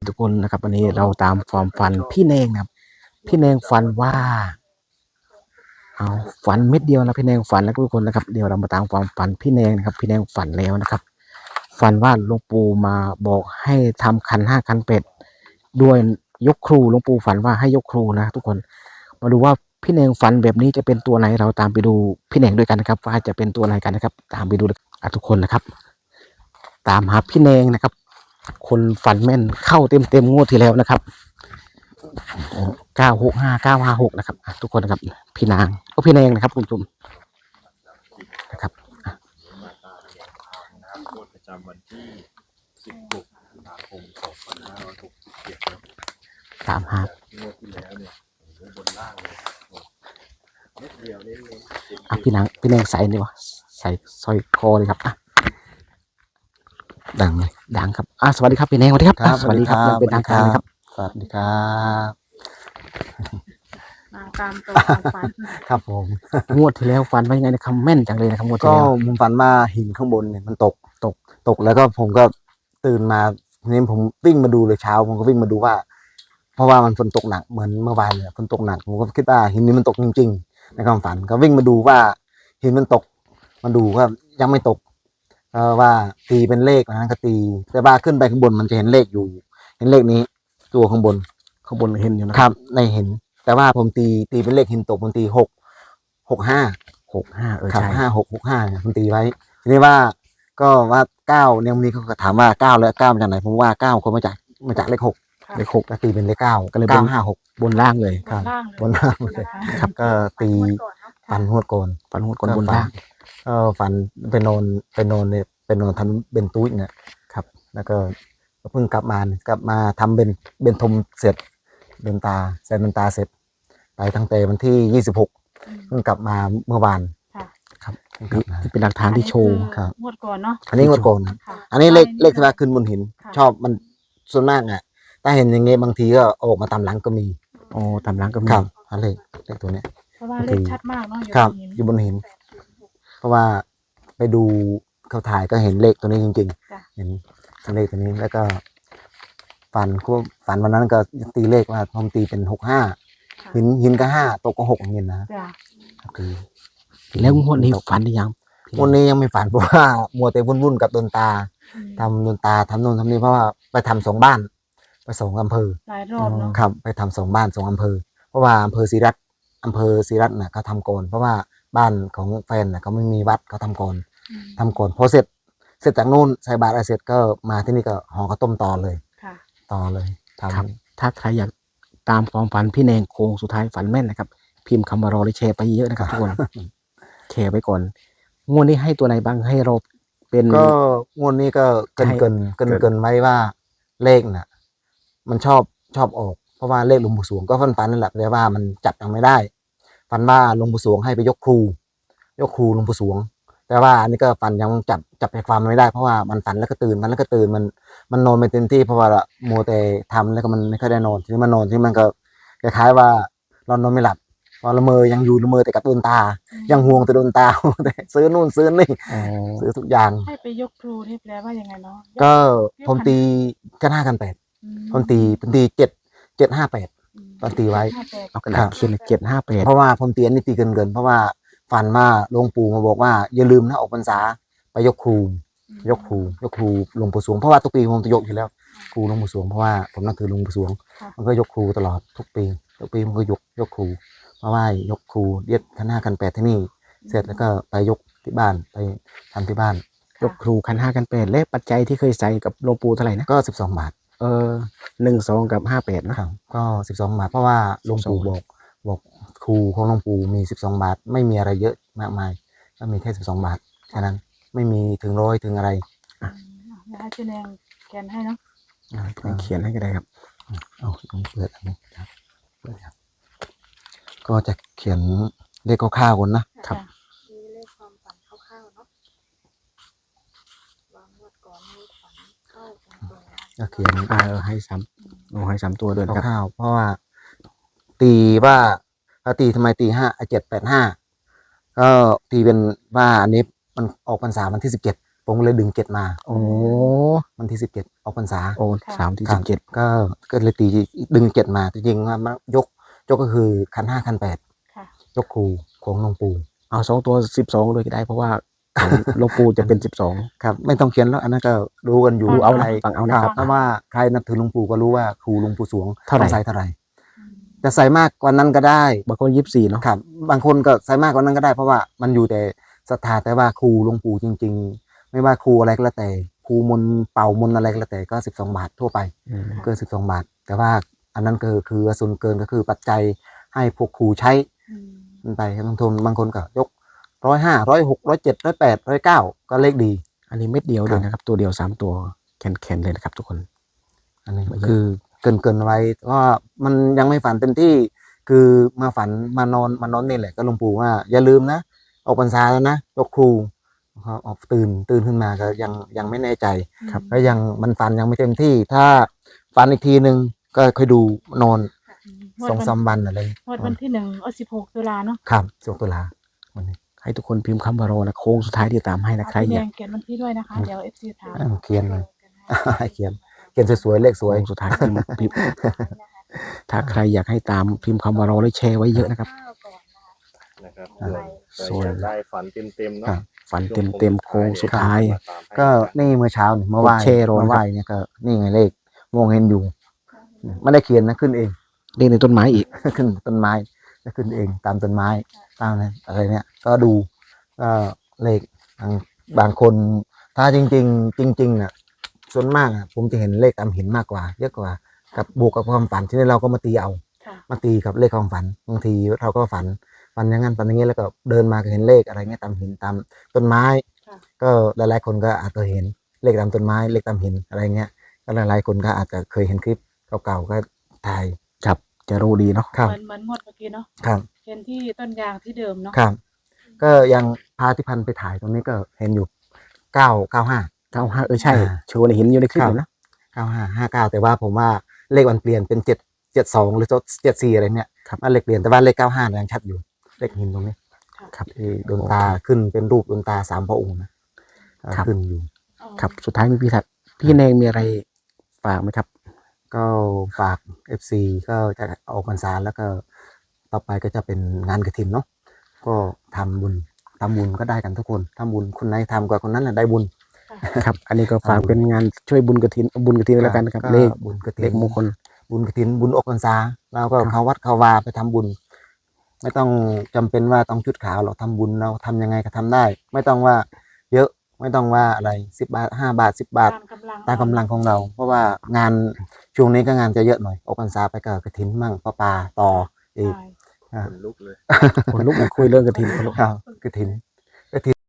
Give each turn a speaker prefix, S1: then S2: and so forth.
S1: ทุกคนนะครับวันนี้เราตามความฝันพี่เนงนะครับพี่เนงฝันว่าเอาฝันเม็ดเดียวนะพี่เนงฝันแล้วทุกคนนะครับเดี๋ยวเรามาตามความฝันพี่เนงนะครับพี่เนงฝันแล้วนะครับฝันว่าหลวงปู่มาบอกให้ทำขันห้าขันเป็ดด้วยยกครูหลวงปู่ฝันว่าให้ยกครูนะทุกคนมาดูว่าพี่เนงฝันแบบนี้จะเป็นตัวไหนเราตามไปดูพี่เนงด้วยกันนะครับว่าจะเป็นตัวไหนกันนะครับตามไปดูทุกคนนะครับตามหาพี่เนงนะครับคนฝันแม่นเข้าเต็มงวดที่แล้วนะครับ965 956นะครับทุกคนนะครับพี่นางก็พี่เนงนะครับคุณผู้ชมนะครับ
S2: ประจำวันที่16 ตุลาคม 2567
S1: ตามหาง
S2: วดที่แล้วเนี่ยบนล่างเลยครับเม็ดเดียวนี่
S1: พี่นางใส่ดีวะใส่สร้อยคอเลยครับ
S2: ดังเลย
S1: ดังครับสวัสดีครับพี่เนงสวัสดีครับสวัสดีครับยังเป็นทางการนะครับ
S2: สวัสดีครับ
S3: ตามตัวฝัน
S2: ครับผม
S1: งวดที่แล้วฝันว่ายังไงนะครับแม่นจังเลยนะครับงวดที่
S2: ก็
S1: แล้ว
S2: ผมฝันว่าหินข้างบนเนี่ยมันตกแล้วก็ผมก็ตื่นมาทีนี้ผมวิ่งมาดูเลยเช้าผมก็วิ่งมาดูว่าเพราะว่ามันฝนตกหนักเหมือนเมื่อวานเลยฝนตกหนักผมก็คิดว่าหินนี้มันตกจริงๆในความฝันก็วิ่งมาดูว่าหินมันตกมาดูว่ายังไม่ตกว่าตีเป็นเลขนะก็ตีแต่ว่าขึ้นไปข้างบนมันจะเห็นเลขอยู่เห็นเลขนี้ตัวข้างบน
S1: เห็นอยู่นะครับ
S2: ในเห็นแต่ว่าผมตีเป็นเลขหินตกผมตี65ครับ5665เนี่ยผมตีไว้ทีนี้ว่าก็ว่า9เนี่ยวันนี้เขาก็ถามว่า9แล้ว9มาจากไหนผมว่า9คนมาจากเลข6ก็ตีเป็นเลข9ก็เลย956
S1: บนล่างเลย
S2: ครับบนล่างเลยครับก็ตีฝันหวดโกน
S1: บนล่าง
S2: ฝันไปนอนทำเบนตุ้ยเนี่ยครับแล้วก็เพิ่งกลับมาทำเบนทมเสร็จเบนตาใส่เบนตาเสร็จไปตั้งแต่วันที่26เพิ่งกลับมาเมื่อวานครับ
S1: ที่เป็นหลักฐานที่โชว์
S2: ครับ
S3: งวดก่อนเนาะ
S2: อันนี้งวดก่อนอันนี้เลขที่ว่าขึ้นบนหินชอบมันส่วนมากอ่ะถ้าเห็นอย่างเงี้ยบางทีก็ออกมาตามหลังก็มี
S1: ตามหลังก็มี
S2: ครับเลขตัวเนี้ย
S3: เพราะว่าเลขชัดมากเนาะ
S2: อยู่บนหินเพราะว่าไปดูเขาถ่ายก็เห็นเลขตัวนี้จริงๆเห็นเลขตัวนี้แล้วก็ฝันวันนั้นก็ตีเลขว่าผมตีเป็น65หินก็5ตกก็6อย่างเงี้ยนะ
S1: แล้วงวดนี้ฝันหรือยัง
S2: งวดนี้ยังไม่ฝันเพราะว่ามัวแต่วุ่นกับดนตาทำดนตาทำโน่นทำนี่เพราะว่าไปทำ2 บ้านไป2 อำเภอ
S3: หลายรอบเนาะ
S2: ครับไปทำ2 บ้าน2 อำเภอเพราะว่าอำเภอศรีรัตน์น่ะเขาทำก่อนเพราะว่าบ้านของแฟนน่ะเขาไม่มีวัดเขาทำก่อนพอเสร็จจากนู่นใส่บาตรเสร็จก็มาที่นี่ก็ห่อข้าวต้มต่อเลย
S1: ครับถ้าใครอยากตามความฝันพี่เนงโค้งสุดท้ายฝันแม่นนะครับพิมพ์คำว่ารอหรือแชร์ไปเยอะนะครับทุกคนแชร์ไปก่อนงวดนี้ให้ตัวไหนบ้างให้เราเป็น
S2: ก็งวดนี้ก็เกินไว้ว่าเลขน่ะมันชอบออกเพราะว่าเลขหลวงปู่สวงก็ฝันนั่นแหละแต่ว่ามันจับยังไม่ได้ฝันว่าหลวงปู่สวงให้ไปยกครูหลวงปู่สวงแต่ว่าอันนี้ก็ฝันยังจับใจความไม่ได้เพราะว่ามันฝันแล้วก็ตื่นมันนอนไม่เต็มที่เพราะว่ามัวแต่ทำแล้วก็มันไม่ค่อยได้นอนทีนี้มันนอนที่มันก็คล้ายๆว่าเรานอนไม่หลับพอละเมอยังอยู่ละเมอแต่กับดวงตายังห่วงแต่ดวงตาแต่ซื้อนู่นซื้อนี่ซื้อทุกอย่าง
S3: ให้ไปยกครูที่แปลว่ายังไงเนาะ
S2: ก็ผมตีกัน5 กัน 8ผมตี758ตอนตีไว้
S1: เอากระดาษเขียน758
S2: เพราะว่าผมตีอันนี้ตีเกินเพราะว่าฝันว่าหลวงปู่มาบอกว่าอย่าลืมนะออกพรรษาไปยกครูหลวงปู่สวงเพราะว่าทุกปีผมจะยกอยู่แล้วครูหลวงปู่สวงเพราะว่าผมนับถือหลวงปู่สวงมันก็ยกครูตลอดทุกปีมันก็ยกครูเพราะว่ายกครูเรียกขัน 5 กัน 8ที่นี่เสร็จแล้วก็ไปยกที่บ้านไปทำที่บ้าน
S1: ยกครูขัน 5 กัน 8และปัจจัยที่เคยใส่กับหลวงปู่เท่าไหร่นะ
S2: ก็12 บาท
S1: 12กับ58นะครับ
S2: ก็12 บาทเพราะว่าหลวงปู่บอกครูของหลวงปู่มี12 บาทไม่มีอะไรเยอะมากมายก็มีแค่12 บาทแค่นั้นไม่มีถึง100ถึงอะไร
S3: ให้พี่แนงเขียนให้เนาะ
S1: เขียนให้ก็ได้ครับ
S2: เอาเปิดอันนี้ครับก็จะเขียนเลขคร่าวๆก่อนนะครับ
S3: เลขความฝันคร่าวๆเนาะวางงวดก่อนให้ฝันเข้าตรงๆ
S2: ก็เขียน
S1: ให้3ตัวด้วย
S2: คร่าวๆเพราะว่าตีว่าตีทำไมตี785ก็ตีเป็นว่าอันนี้มันออกพรรษาวันที่17ผผมก็เลยดึง7มา
S1: โอ้
S2: วันที่17ออกพรรษา
S1: โอ้สามที่17
S2: ก็เลยตีดึง7มาจริงๆว่ายกก็คือคัน5คัน
S3: ค่ะ
S2: 8ยกครูของหลวงปู่
S1: เอา2ตัว12เลยก็ได้เพราะว่าของหลวงปู่จะเป็น12
S2: ครับไม่ต้องเขียนแล้วอันนั้นก็รู้กันอยู่
S1: ดูเอา
S2: ใคร
S1: นะฟังเอานะครับ
S2: เพราะว่าใครนับถือหลวงปู่ก็รู้ว่าครูหลวงปู่สวง
S1: เท่าไหร่
S2: ต้องใส่เท่าไหร่จะใส่มากกว่านั้นก็ได้
S1: บางคน24เนาะ
S2: ครับบางคนก็ใส่มากกว่านั้นก็ได้เพราะว่ามันอยู่แต่ศรัทธาแต่ว่าครูหลวงปู่จริง ๆ ไม่ว่าครูอะไรก็แล้วแต่ครูมนต์เป่ามนต์อะไรก็แล้วแต่ก็12 บาททั่วไป
S1: อืม
S2: เกิน12 บาท แต่ว่าอันนั้นคือส่วนเกินก็คือปัจจัยให้พวกครูใช้มันไปครับบางคนก็ยก105 106 107 108 109ก็เลขดี
S1: อันนี้เม็ดเดียวเล
S2: ครั
S1: ย
S2: บ
S1: นะครับตัวเดียว3ตัวแข็งๆเลยนะครับทุกคน
S2: อันนี้
S1: ไม่เยอะ
S2: คือเกินไว้ก็มันยังไม่ฝันเต็มที่คือมาฝันมานอนนี่แหละก็หลวงปู่ว่าอย่าลืมนะออกพรรษาแล้วนะยกครูออกตื่นขึ้นมาก็ยังไม่แน่ใจ
S1: ครับ
S2: ก็ยังมันฝันยังไม่เต็มที่ ถ้าฝันอีกทีหนึ่งก็ค่อยดูนอน 2-3 วันอะไร
S3: วันที่16 ตุลาเนาะ
S2: ครับ16 ตุลาวันนี้
S1: ให้ทุกคนพิมพ์คำว่ารอนะโค้งสุดท้ายที่ตามให้นะใคร
S3: พี่
S1: อ
S3: แด
S1: ยาก
S3: งเขียนวันที่ด้วยนะคะ เดี๋ยว FC ถาม
S2: เขียนเลย ให้เขียนสวยๆเลขสวย
S1: โค้งสุดท้ายพิมพ์ถ้าใครอยากให้ตามพิมพ์คำว่ารอแล้วแชร์ไว้เยอะนะครับ
S4: นะครับ
S2: อ่า
S4: เผื่ออยากได้ฝันเต็มๆ
S2: ครั
S4: เนาะ
S2: บ
S1: ฝันเต็มๆโค้งสุดท้าย
S2: ก็นี่เมื่อเช้าเนี่ยเมื่อวาน
S1: กดแชร์รอนะครับ
S2: เมื่อวานเนี่ยก็นี่ไงเลขมองเห็นอยู่ไม่ได้เขียนนะขึ้นเอง
S1: เรียกในต้นไม้อีก
S2: ขึ้นต้นไม้จะขึ้นเองตามต้นไม้ตามอะไรเนี่ยก็ดูก็เลขบางคนถ้าจริงๆน่ะส่วนมากอ่ะผมจะเห็นเลขตามหินมากกว่า เยอะกว่ากับบวกกับความฝันที่นี่เราก็มาตีเอา
S3: ค่ะ
S2: มาตีกับเลขความฝันบางทีเราก็ฝันอย่างนั้นฝันอย่างนี้แล้วก็เดินมาก็เห็นเลขอะไรเงี้ยตามหินตามต้นไม้
S3: ค่ะ
S2: ก็หลายๆคนก็อาจจะเห็นเลขตามต้นไม้เลขตามหินอะไรเงี้ยก็หลายๆคนก็อาจจะเคยเห็นคลิปเก่าๆก็ถ่าย
S1: ครับจะรู้ดีเนาะ
S2: ครับ
S3: เหมือนงวดเมื่อกี้เนาะ
S2: ครับ
S3: เห็นที่ต้นยางที่เดิมเนาะ
S2: ครับ ก็ยังพาที่พันไปถ่ายตรงนี้ก็เห็นอยู่995
S1: 95ใช่โชว์ในหินอยู่ในคลิป
S2: ครับ
S1: อยู่นะ
S2: 95 59แต่ว่าผมว่าเลขมันเปลี่ยนเป็น772หรือ74อะไรเนี่ยว่าเลขเปลี่ยนแต่ว่าเลข95ยังชัดอยู่เลขหินตรงนี้
S1: ครับ
S2: ที่ดวงตาขึ้นเป็นรูปดวงตา3 พระองค์นะครับ ขึ้นอยู่
S3: อ๋อ
S1: ครับสุดท้ายมีพี่แนงมีอะไรฝากไหมครับ
S2: ก็ฝาก FC ก็จะออกพรรษาแล้วก็ต่อไปก็จะเป็นงานกฐินเนาะก็ทำบุญก็ได้กันทุกคนทำบุญคนไหนทำกว่าคนนั้นแหละได้บุญ
S1: ครับ อันนี้ก็ฝากเป็นงานช่วยบุญกฐินแล้วกันนะครับ
S2: ก็
S1: เลข
S2: บุญกฐิ
S1: เล
S2: น
S1: ขมงคล
S2: บุญกฐินบุญออกพรรษาเราก็
S1: ครับ
S2: เข้าวัดเข้าวาไปทำบุญ ไม่ต้องจำเป็นว่าต้องชุดขาวหรอกทำบุญเราทำยังไงก็ทำได้ ไม่ต้องว่าเยอะไม่ต้องว่าอะไร10 บาท5 บาท10 บาท ตามกำลังของเรา เพราะว่างานช่วงนี้ก็งานจะเยอะหน่อยออกพรรษาไปกับกฐินมั่งป่าต่ออีก
S3: ใช่
S4: ขนลุกเลย
S1: คนลุกมาคุยเรื่องกฐินคนลุก
S2: ครับกฐิน